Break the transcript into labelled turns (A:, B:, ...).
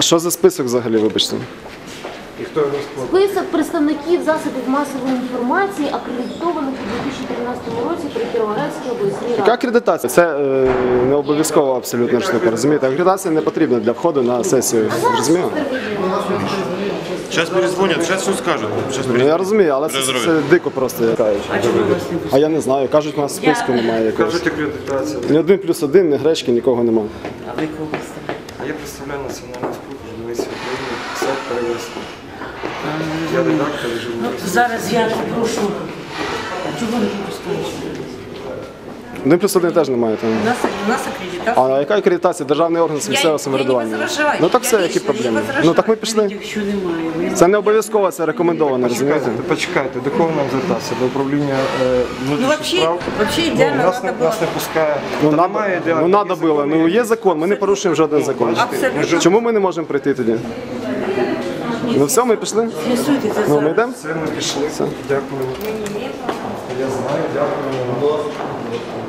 A: що за список взагалі, вибачте?
B: І хто його складає?
C: Список представників засобів масової інформації, акредитованих у 2013 році при Кіровоградській обласній
A: Яка
C: раді.
A: акредитація? Це не обов'язково абсолютно штука, розумієте? Акредитація не потрібна для входу на сесію, розумієте?
D: Сейчас перезвонят, сейчас все скажут. Сейчас
A: Ну, я розумію, але це дико просто. А я не знаю, кажуть, у нас списку немає якогось.
B: Кажуть, акредитація.
A: Ні 1+1, ні гречки, нікого немає.
E: А ви кого представляєте?
B: А я представляю Національну спілку журналістів України, сайт перевести. Я редактор і
E: Ну,
B: журналіст.
E: зараз я попрошу. Чого ви не пускаєте?
A: 1+1 теж немає там.
E: У нас акредитація.
A: А яка акредитація? Державний орган з місцевого самоврядування. Ну так все, які проблеми? Ну так ми пішли.
E: Якщо немає,
A: Це не обов'язково, це рекомендовано, розумієте?
B: Почекайте, до кого нам звертатися? До управління внутрішніх справ?
E: вообще ідеально
B: Нас
E: треба було.
B: не пускає.
A: Ну,
B: Та
A: надо,
B: немає ідеально.
A: ну, надо було. Ну, є закон, ми не порушуємо жоден закон.
E: Абсолютно.
A: Чому ми не можемо прийти тоді? Ну все, ми пішли?
E: З'ясуйте це
A: Ну, ми
E: зараз.
A: йдемо?
B: Це ми пішли. Дякую. Я знаю, дякую.